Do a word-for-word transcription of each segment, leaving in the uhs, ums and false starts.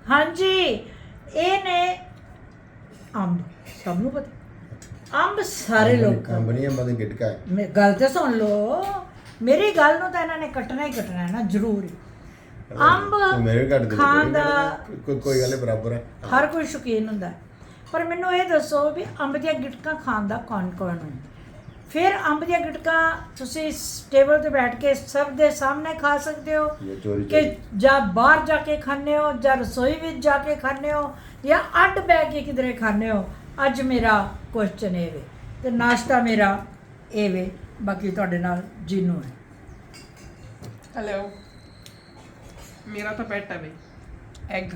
हाँ जी ये ने अंब सबनों पता अंब सारे लोग ਕੰਪਨੀਆਂ ਬੰਦੇ ਗਿਟਕਾ ਹੈ मे- गल तो सुन लो मेरी गल नूं तां इन्हां ने कट्टना ही कट्टना है ना जरूर ही अंब ਤੂੰ ਮੇਰੇ ਘੱਟ ਦੇ ਖਾਣ ਦਾ ਕੋਈ ਕੋਈ ਗੱਲ ਨੀ, ਬਰਾਬਰ ਹੈ ਹਰ ਕੋਈ ਸ਼ੌਕੀਨ ਹੁੰਦਾ ਹੈ। ਪਰ ਮੈਨੂੰ ਇਹ ਦੱਸੋ ਵੀ ਅੰਬ ਦੀਆਂ ਗਿਟਕਾਂ ਖਾਣ ਦਾ ਕੌਣ ਕੌਣ ਹੈ ਫਿਰ ਅੰਬ ਦੀਆਂ ਗਿਟਕਾਂ ਤੁਸੀਂ ਟੇਬਲ ਤੇ ਬੈਠ ਕੇ ਸਭ ਦੇ ਸਾਹਮਣੇ ਖਾ ਸਕਦੇ ਹੋ ਇਹ ਚੋਰੀ ਕਿ ਚੋਰੀ ਜਾਂ ਬਾਹਰ ਜਾ ਕੇ ਖਾਂਦੇ ਹੋ ਜਾਂ ਰਸੋਈ ਵਿੱਚ ਜਾ ਕੇ ਖਾਂਦੇ ਹੋ ਜਾਂ ਅੱਡ ਬਹਿ ਕੇ ਕਿਧਰੇ ਖਾਂਦੇ ਹੋ ਅੱਜ ਮੇਰਾ ਕੁਐਸਚਨ ਇਹ ਵੇ ਤੇ ਨਾਸ਼ਤਾ ਮੇਰਾ ਇਹ ਵੇ ਬਾਕੀ ਤੁਹਾਡੇ ਨਾਲ ਜੀਨੂ ਹੈ हेलो मेरा तो पेट है भाई एग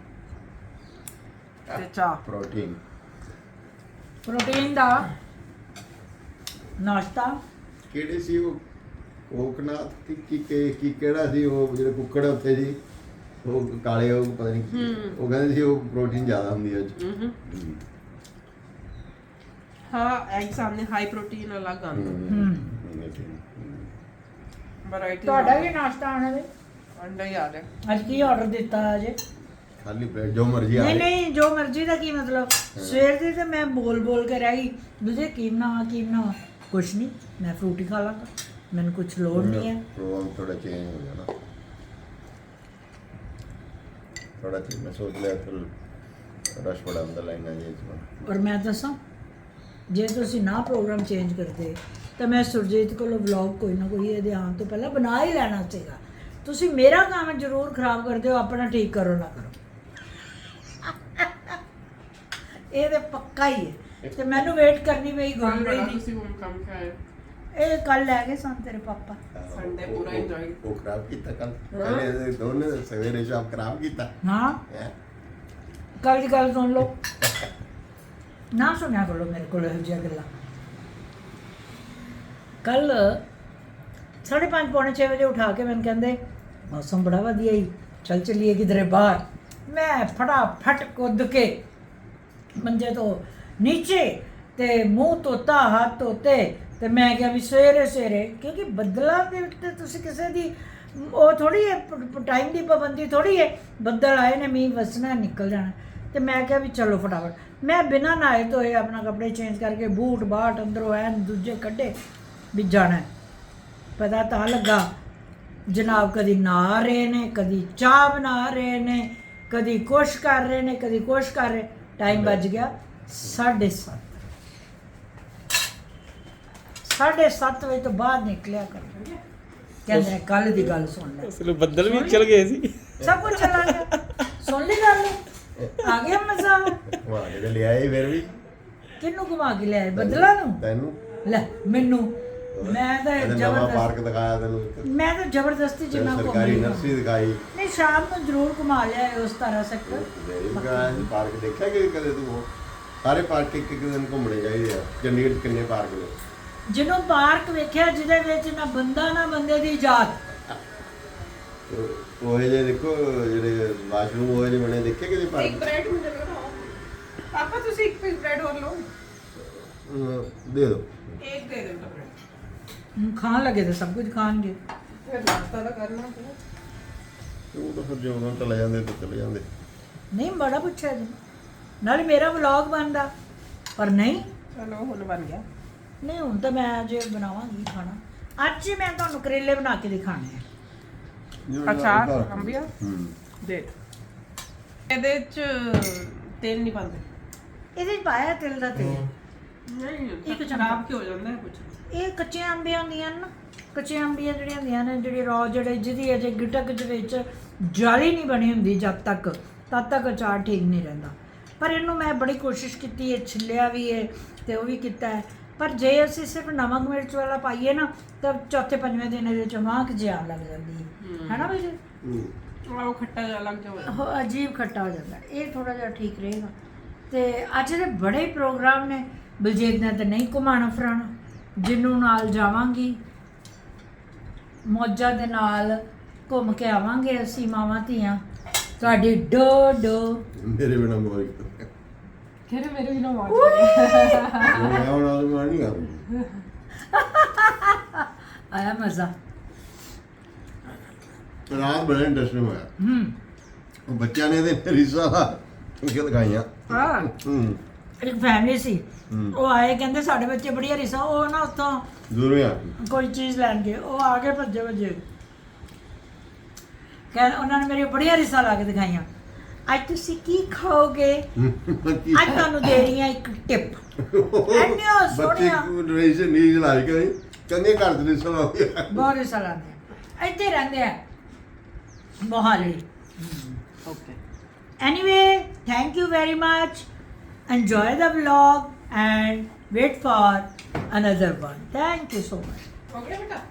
ਤੇ ਚਾਹ ਪ੍ਰੋਟੀਨ ਪ੍ਰੋਟੀਨ ਦਾ ਨਾਸ਼ਤਾ ਕਿਹੜੇ ਸੀ ਉਹ ਕੋਕਨਾਥ ਕੀ ਕੀ ਕੀ- ਕੀ ਕਿਹੜਾ ਸੀ ਉਹ ਜਿਹੜੇ ਕੁੱਕੜ ਉੱਥੇ ਜੀ ਉਹ ਕਾਲੇ ਉਹ ਪਤਾ ਨਹੀਂ ਕੀ- ਉਹ ਕਹਿੰਦੇ ਸੀ ਉਹ ਪ੍ਰੋਟੀਨ ਜ਼ਿਆਦਾ ਹੁੰਦੀ ਹੈ ਉਹ 'ਚ। ਹੂੰ ਹੂੰ। ਹਾਂ ਐਗ ਸਾਹਮਣੇ ਹਾਈ ਪ੍ਰੋਟੀਨ ਅਲੱਗ ਆਉਂਦਾ ਹੂੰ ਵੈਰਾਈਟੀ ਤੁਹਾਡਾ ਵੀ ਨਾਸ਼ਤਾ ਆਣਾ ਵੇ ਅੰਡਾ ਹੀ ਆ ਰਿਹਾ ਅੱਜ ਕੀ ਆਰਡਰ ਦਿੱਤਾ ਅਜੇ ਖਾਲੀ ਪਲੇਟ ਜੋ ਮਰਜ਼ੀ ਆ ਨਹੀਂ ਨਹੀਂ ਜੋ ਮਰਜ਼ੀ ਦਾ ਕੀ ਮਤਲਬ ਸਵੇਰ ਦੀ ਤੇ ਮੈਂ ਬੋਲ ਬੋਲ ਕੇ ਰਹਿ ਗਈ ਦੂਜੇ ਕੀ ਬਣਾਵਾਂ ਕੀ ਬਣਾਵਾਂ ਕੁਛ ਨਹੀਂ ਮੈਂ ਫਰੂਟ ਹੀ ਖਾ ਲਾਂਗਾ ਮੈਨੂੰ ਕੁਛ ਲੋੜ ਨਹੀਂ ਹੈ ਪ੍ਰੋਗਰਾਮ ਥੋੜਾ ਚੇਂਜ ਹੋ ਜਾਣਾ ਥੋੜਾ ਚੇਂਜ ਮੈਂ ਸੋਚ ਲਿਆ ਫਿਰ ਰਸ਼ ਬੜਾ ਅੰਦਰ ਲਾਈਨਾਂ ਜੀ ਇਸ ਔਰ ਮੈਂ ਦੱਸਾਂ ਜੇ ਤੁਸੀਂ ਨਾ ਪ੍ਰੋਗਰਾਮ ਚੇਂਜ ਕਰਦੇ ਤਾਂ ਮੈਂ ਸੁਰਜੀਤ ਕੋਲੋਂ ਵਲੌਗ ਕੋਈ ਨਾ ਕੋਈ ਇਹਦੇ ਆਉਣ ਤੋਂ ਪਹਿਲਾਂ ਬਣਾ ਹੀ ਲੈਣਾ ਸੀਗਾ ਤੁਸੀਂ ਮੇਰਾ ਕੰਮ ਜ਼ਰੂਰ ਖਰਾਬ ਕਰਦੇ ਹੋ ਆਪਣਾ ਠੀਕ ਕਰੋ ਨਾ ਕਰੋ ਇਹ ਤੇ ਪੱਕਾ ਹੀ ਹੈ ਤੇ ਮੈਨੂੰ ਵੇਟ ਕਰਨੀ ਪਈ ਕੰਮ ਗੁੰਮ ਰਹੀ ਬੜਾ ਦੀ ਤੁਸੀਂ ਹੁਣ ਕੰਮ ਖਾਏ ਇਹ ਕੱਲ ਲੈ ਗਏ ਸਨ ਤੇਰੇ ਪਾਪਾ Sunday ਪੂਰਾ ਉਹ- enjoy। ਉਹ ਖਰਾਬ ਕੀਤਾ ਕੱਲ ਪਹਿਲੇ ਦੋਨੇ ਸਵੇਰੇ ਸ਼ਾਮ ਖਰਾਬ ਕੀਤਾ ਹਾਂ ਹੈਂ। ਕੱਲ ਦੀ ਗੱਲ ਸੁਣ ਲਓ ਨਾ ਸੁਣਿਆ ਕਰੋ ਮੇਰੇ ਕੋਲ ਇਹੋ ਜਿਹੀਆਂ ਗੱਲਾਂ ਕੱਲ ਸਾਢੇ ਪੰਜ ਪੌਣੇ ਛੇ ਵਜੇ ਉਠਾ ਕੇ ਮੈਨੂੰ ਕਹਿੰਦੇ ਮੌਸਮ ਬੜਾ ਵਧੀਆ ਹੀ ਚੱਲ ਚੱਲੀਏ ਕਿਧਰੇ ਬਾਹਰ ਮੈਂ ਫਟਾਫਟ ਕੁੱਦ ਕੇ ਮੰਜੇ ਤੋਂ ਨੀਚੇ ਤੇ ਮੂੰਹ ਧੋਤਾ ਹੱਥ ਧੋਤੇ ਤੇ ਮੈਂ ਕਿਹਾ ਵੀ ਸਵੇਰੇ ਸਵੇਰੇ ਕਿਉਂਕਿ ਬੱਦਲਾਂ ਦੇ ਉੱਤੇ ਤੁਸੀਂ ਕਿਸੇ ਦੀ ਉਹ ਥੋੜੀ ਹੈ ਟਾਈਮ ਦੀ ਪਾਬੰਦੀ ਥੋੜੀ ਹੈ ਬੱਦਲ ਆਏ ਨੇ ਮੀਂਹ ਵਸਣਾ ਨਿਕਲ ਜਾਣਾ ਤੇ ਮੈਂ ਕਿਹਾ ਵੀ ਚਲੋ ਫਟਾਫਟ ਮੈਂ ਬਿਨਾਂ ਨਹਾਏ ਧੋਏ ਆਪਣਾ ਕੱਪੜੇ ਚੇਂਜ ਕਰਕੇ ਬੂਟ ਬਾਟ ਅੰਦਰੋਂ ਐਨ ਦੂਜੇ ਕੱਢੇ ਵੀ ਜਾਣਾ ਹੈ। ਪਤਾ ਤਾਂ ਲੱਗਾ ਜਨਾਬ ਕਦੀ ਨਹਾ ਰਹੇ ਨੇ ਕਦੀ ਚਾਹ ਬਣਾ ਰਹੇ ਨੇ ਕਦੀ ਕੁਛ ਕਰ ਰਹੇ ਨੇ ਕਦੀ ਕੁਛ ਕਰ ਰਹੇ ਟਾਈਮ ਵੱਜ ਗਿਆ ਸਾਢੇ ਸੱਤ ਸਾਢੇ ਸੱਤ ਵਜੇ ਤੋਂ ਬਾਅਦ ਨਿਕਲਿਆ ਕਰ ਕਹਿੰਦੇ ਨੇ ਕੱਲ ਦੀ ਗੱਲ ਸੁਣ ਲੈ ਅਸਲ ਬੱਦਲ ਵੀ ਚਲ ਗਏ ਸੀ ਸਭ ਕੁਝ ਚਲਾ ਗਿਆ ਸੁਣ ਲਈ ਗੱਲ ਆ ਗਿਆ ਮਜ਼ਾ ਵਾਹ ਜਿਹੜੇ ਲਿਆਏ ਫਿਰ ਵੀ ਕਿਹਨੂੰ ਘੁਮਾ ਕੇ ਲਿਆਏ ਬਦਲਾ ਨੂੰ ਤੈਨੂੰ ਲੈ ਮੈਨੂੰ ਮੈਂ ਤਾਂ ਇਹਨੇ ਨਵਾਂ ਜ਼ਬਰਦਸਤ ਪਾਰਕ ਦਿਖਾਇਆ ਤੈਨੂੰ ਇੱਕ। ਮੈਂ ਤਾਂ ਜ਼ਬਰਦਸਤੀ ਫਿਰ ਜਿੰਨਾ ਸਰਕਾਰੀ ਘੁੰਮੀ ਨਰਸਰੀ ਦਿਖਾਈ ਨਹੀਂ ਸ਼ਾਮ ਨੂੰ ਜ਼ਰੂਰ ਘੁਮਾ ਲਿਆ ਉਸ ਤਰ੍ਹਾਂ ਸੈਕਟਰ ਗਾਇ ਪਾਰਕ ਦੇਖਿਆ ਕਿ ਕਦੇ ਤੂੰ ਉਹ? ਸਾਰੇ ਪਾਰਕ ਇੱਕ ਇੱਕ ਦਿਨ ਘੁੰਮਣੇ ਚਾਹੀਦੇ ਆ ਚੰਡੀਗੜ੍ਹ 'ਚ ਕਿੰਨੇ ਪਾਰਕ ਨੇ ਜਿਹਨੂੰ ਪਾਰਕ ਵੇਖਿਆ ਜਿਹਦੇ ਵਿੱਚ ਨਾ ਬੰਦਾ ਨਾ ਬੰਦੇ ਦੀ ਜਾਤ ਉਹ ਇਹ ਜੇ ਦੇਖੋ ਜਿਹੜੇ ਵਾਸ਼ਰੂਮ ਉਹ ਜਿਹੇ ਬਣੇ ਦੇਖੇ ਕਿਤੇ ਇੱਕ ਪਾਰਕ ਬ੍ਰੈਡ ਮੁਝੇ ਲਗਾਓ ਪਾਪਾ ਤੁਸੀਂ ਇੱਕ ਪੀਸ ਬ੍ਰੈਡ ਹੋਰ ਲਓ ਅਹ ਦੇ ਦਿਓ ਇੱਕ ਦੇ ਦਿਓ ਬ੍ਰੈਡ ਹੁਣ ਖਾਣ ਲੱਗੇ ਤਾਂ ਸਭ ਕੁਝ ਖਾਣਗੇ ਫਿਰ ਨਾਸ਼ਤਾ ਤਾਂ ਕਰਨਾ ਪਊ ਉਹ ਤਾਂ ਫਿਰ ਜਦੋਂ ਚਲੇ ਜਾਂਦੇ ਤਾਂ ਚਲੇ ਜਾਂਦੇ ਨਹੀਂ ਬੜਾ ਪੁੱਛਿਆ ਜੀ ਨਾਲੇ ਮੇਰਾ ਵਲੌਗ ਬਣਦਾ ਪਰ ਨਹੀਂ ਚਲੋ ਹੁਣ ਬਣ ਗਿਆ ਨਹੀਂ ਹੁਣ ਤਾਂ ਮੈਂ ਅੱਜ ਬਣਾਵਾਂਗੀ ਖਾਣਾ ਅੱਜ ਹੀ ਮੈਂ ਤੁਹਾਨੂੰ ਕਰੇਲੇ ਬਣਾ ਕੇ ਦਿਖਾਣੇ ਆ ਅਚਾਰ ਅੰਬੀਆ ਹੂੰ ਦੇ ਇਹਦੇ ਚ ਤੇਲ ਨਹੀਂ ਪਾਉਂਦੇ ਇਹਦੇ 'ਚ ਪਾਇਆ ਤਿਲ ਦਾ ਤੇਲ ਨਹੀਂ ਇੱਕ ਚਮਚਾ। ਖਰਾਬ ਕਿਉਂ ਹੋ ਜਾਂਦਾ ਹੈ ਕੁਝ ਇਹ ਕੱਚੀਆਂ ਅੰਬੀਆਂ ਹੁੰਦੀਆਂ ਨੇ ਨਾ ਕੱਚੀਆਂ ਅੰਬੀਆਂ ਜਿਹੜੀਆਂ ਹੁੰਦੀਆਂ ਨੇ ਜਿਹੜੀ ਰੌ ਜਿਹੜੇ ਜਿਹਦੀ ਅਜੇ ਗਿਟਕ ਦੇ ਵਿੱਚ ਜਾਲੀ ਨਹੀਂ ਬਣੀ ਹੁੰਦੀ ਜਦ ਤੱਕ ਤਦ ਤੱਕ ਅਚਾਰ ਠੀਕ ਨਹੀਂ ਰਹਿੰਦਾ ਪਰ ਇਹਨੂੰ ਮੈਂ ਬੜੀ ਕੋਸ਼ਿਸ਼ ਕੀਤੀ ਹੈ ਛਿੱਲਿਆ ਵੀ ਹੈ ਤੇ ਉਹ ਵੀ ਕੀਤਾ ਹੈ ਪਰ ਜੇ ਅਸੀਂ ਸਿਰਫ ਨਮਕ ਮਿਰਚ ਵਾਲਾ ਪਾਈਏ ਨਾ ਤਾਂ ਚੌਥੇ ਪੰਜਵੇਂ ਦਿਨ ਇਹਦੇ ਚ ਮਾਂਕ ਜਿਹਾ ਲੱਗ ਜਾਂਦੀ ਹੈ ਹੈ ਨਾ ਬਈ ਹੂੰ ਉਹ ਖੱਟਾ ਜਿਹਾ ਲੱਗ ਜਾਵੇ ਉਹ ਅਜੀਬ ਖੱਟਾ ਹੋ ਜਾਂਦਾ ਇਹ ਥੋੜਾ ਜਿਹਾ ਠੀਕ ਰਹੇਗਾ ਤੇ ਅੱਜ ਦੇ ਬੜੇ ਹੀ ਪ੍ਰੋਗਰਾਮ ਨੇ ਬਲਜੀਤ ਨੇ ਤਾਂ ਨਹੀਂ ਘੁਮਾਣਾ ਫਿਰਾਣਾ ਜਿਹਨੂੰ ਨਾਲ ਜਾਵਾਂਗੀ ਮੌਜਾਂ ਦੇ ਨਾਲ ਘੁੰਮ ਕੇ ਆਵਾਂਗੇ ਅਸੀਂ ਮਾਵਾਂ ਧੀਆਂ ਤੁਹਾਡੀ ਡੋ ਡੋ ਮੇਰੇ ਬਿਨਾ ਮੋਰੀ ਫਿਰ ਮੇਰੇ ਵੀ ਨਾ ਮਾਰ ਮੈਂ ਹੁਣ ਆਲ ਮਾਰ ਨਹੀਂ ਕਰੂੰ ਆਇਆ ਮਜ਼ਾ ਰਾਤ ਬੜਾ ਇੰਟਰਸਟਿੰਗ ਹੋਇਆ ਹੂੰ ਉਹ ਬੱਚਿਆਂ ਨੇ ਇਹਦੇ ਰੀਸਾਂ ਦਾ ਕਿ ਲਗਾਈਆਂ ਹਾਂ ਹੂੰ ਇੱਕ ਫੈਮਿਲੀ ਸੀ ਹੂੰ। ਉਹ ਆਏ ਕਹਿੰਦੇ ਸਾਡੇ ਬੱਚੇ ਬੜੀਆਂ ਰਿਸਾ ਉਹ ਨਾ ਉੱਥੋਂ ਦੂਰੋਂ ਆ ਕੋਈ ਚੀਜ਼ ਲੈਣ ਗਏ ਉਹ ਆ ਕੇ ਭੱਜੇ ਭੱਜੇ ਕਹਿੰਦੇ ਉਹਨਾਂ ਨੇ ਮੇਰੀ ਬੜੀਆਂ ਰਿਸਾ ਲਾ ਕੇ ਦਿਖਾਈਆਂ ਅੱਜ ਤੁਸੀਂ ਕੀ ਖਾਓਗੇ ਅੱਜ ਤੁਹਾਨੂੰ ਦੇ ਰਹੀ ਹਾਂ ਇੱਕ ਟਿਪ ਐਨੀਆਂ ਬੱਚੇ ਸੋਹਣੀਆਂ ਨੂੰ ਰੀਸ ਨੀਜ ਲਾਈ ਕਰੀ ਚੰਗੇ ਘਰ ਦੇ ਰੀਸਾਂ ਲਾ ਬਹੁਤ ਰਿਸਾ ਲਾਉਂਦੇ ਆ ਇੱਥੇ ਰਹਿੰਦੇ ਆ Mohali okay Anyway, thank you very much. Enjoy the vlog and wait for another one. Thank you so much. ਹੋ ਗਿਆ ਬੇਟਾ